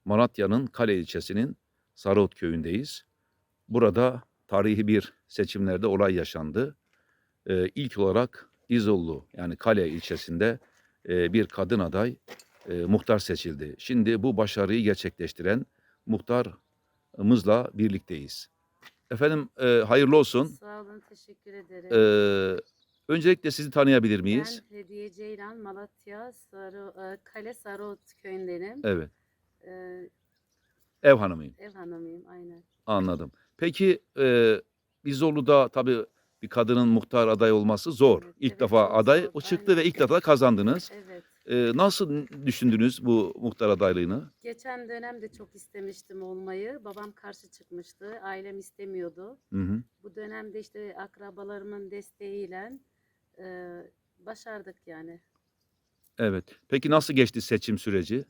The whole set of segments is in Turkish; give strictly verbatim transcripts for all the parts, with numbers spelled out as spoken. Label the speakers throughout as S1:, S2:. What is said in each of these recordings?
S1: Malatya'nın Kale ilçesinin Sarıot köyündeyiz. Burada tarihi bir seçimlerde olay yaşandı. Ee, ilk olarak İzollu yani Kale ilçesinde e, bir kadın aday e, muhtar seçildi. Şimdi bu başarıyı gerçekleştiren muhtarımızla birlikteyiz. Efendim e, hayırlı olsun.
S2: Sağ olun, teşekkür ederim.
S1: Ee, öncelikle sizi tanıyabilir
S2: Ben
S1: miyiz?
S2: Hediye Ceylan, Malatya, Sarı, e, Kale Sarıot köyündenim.
S1: Evet,
S2: Ee,
S1: ev hanımıyım.
S2: ev hanımıyım, aynen.
S1: Anladım. Peki e, İzollu'da tabii bir kadının muhtar aday olması zor.
S2: Evet,
S1: İlk
S2: evet,
S1: defa
S2: çok
S1: aday
S2: zor.
S1: o çıktı ve
S2: Aynen.
S1: ilk defa kazandınız.
S2: Evet.
S1: E, nasıl düşündünüz bu muhtar adaylığını?
S2: Geçen dönem de çok istemiştim olmayı. Babam karşı çıkmıştı. Ailem istemiyordu.
S1: Hı hı.
S2: Bu dönemde işte akrabalarımın desteğiyle e, başardık yani.
S1: Evet. Peki nasıl geçti seçim süreci?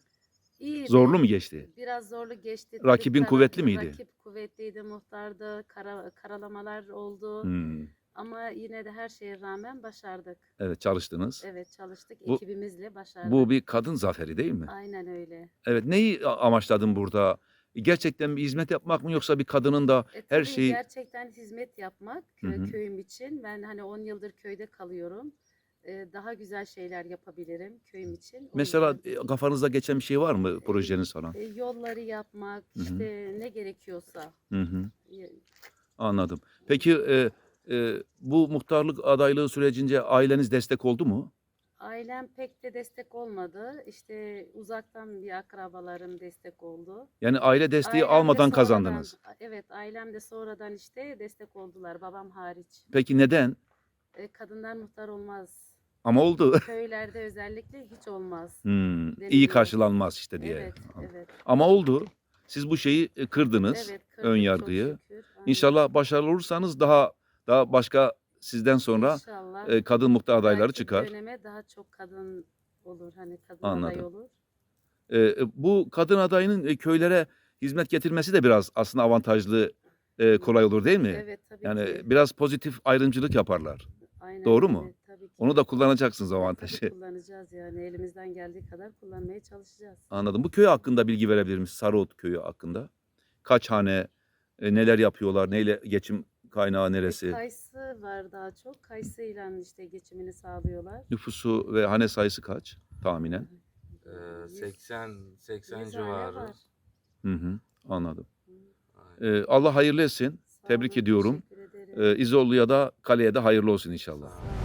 S1: Zorlu
S2: İyiydi.
S1: mu geçti?
S2: Biraz zorlu geçti. Tabii
S1: Rakibin
S2: kara,
S1: kuvvetli miydi?
S2: rakip kuvvetliydi, muhtardı. Kara, karalamalar oldu.
S1: Hmm.
S2: Ama yine de her şeye rağmen başardık.
S1: Evet, çalıştınız.
S2: Evet, çalıştık.
S1: Bu
S2: Ekibimizle
S1: bu
S2: başardık.
S1: bir kadın zaferi değil mi?
S2: Aynen öyle.
S1: Evet. Neyi a- amaçladın burada? Gerçekten bir hizmet yapmak mı yoksa bir kadının da
S2: E,
S1: her
S2: tabii
S1: şeyi...
S2: gerçekten hizmet yapmak
S1: Hı
S2: kö-
S1: hı.
S2: köyüm için. Ben hani on yıldır köyde kalıyorum. E, daha güzel şeyler yapabilirim köyüm için. O
S1: Mesela
S2: yüzden
S1: e, kafanızda geçen bir şey var mı
S2: e,
S1: projeniz falan?
S2: e, yolları yapmak,
S1: Hı hı.
S2: işte ne gerekiyorsa.
S1: Hı hı.
S2: E,
S1: Anladım. Peki e, e, bu muhtarlık adaylığı sürecince aileniz destek oldu mu?
S2: Ailem pek de destek olmadı. İşte uzaktan bir akrabalarım destek oldu.
S1: Yani aile desteği
S2: Ailem de
S1: almadan
S2: sonradan,
S1: kazandınız.
S2: evet ailem de sonradan işte destek oldular, babam hariç.
S1: Peki neden?
S2: E, kadınlar muhtar olmaz.
S1: Ama oldu.
S2: Köylerde özellikle hiç olmaz
S1: Hmm, iyi
S2: deniliyor.
S1: karşılanmaz işte diye.
S2: Evet, evet,
S1: Ama oldu. Siz bu şeyi e, kırdınız,
S2: evet
S1: ön
S2: kırdık çok
S1: yargıyı.
S2: şükür. Aynen.
S1: İnşallah başarılı olursanız daha daha başka sizden sonra
S2: İnşallah
S1: e, kadın muhtar
S2: bir
S1: adayları
S2: dahaki
S1: çıkar.
S2: döneme daha çok kadın olur, hani kadın aday
S1: Anladım.
S2: olur.
S1: E, e, bu kadın adayının e, köylere hizmet getirmesi de biraz aslında avantajlı, e,
S2: Hmm.
S1: kolay olur değil mi?
S2: Evet tabii
S1: Yani
S2: ki.
S1: biraz pozitif ayrımcılık yaparlar.
S2: Aynen
S1: Doğru mu?
S2: öyle tabii ki.
S1: Onu da kullanacaksınız
S2: E, tabii
S1: avantajı.
S2: kullanacağız yani elimizden geldiği kadar kullanmaya çalışacağız.
S1: Anladım. Bu köy hakkında bilgi verebilir misiniz? Sarıot köyü hakkında. Kaç hane, e, neler yapıyorlar, neyle geçim kaynağı
S2: E,
S1: neresi?
S2: kayısı var daha çok. Kayısıyla işte geçimini sağlıyorlar.
S1: Nüfusu ve hane sayısı kaç tahminen?
S3: Ee,
S2: Yüz,
S3: seksen seksen
S2: yüz hane
S3: civarı.
S2: var.
S1: Hı hı, anladım.
S2: Hı.
S3: Aynen.
S1: E, Allah hayırlı etsin.
S2: Sağ
S1: Tebrik
S2: olun,
S1: ediyorum.
S2: teşekkür ederim.
S1: E, İzollu'ya da Kale'ye de hayırlı olsun
S3: Sağ
S1: inşallah.
S3: ol.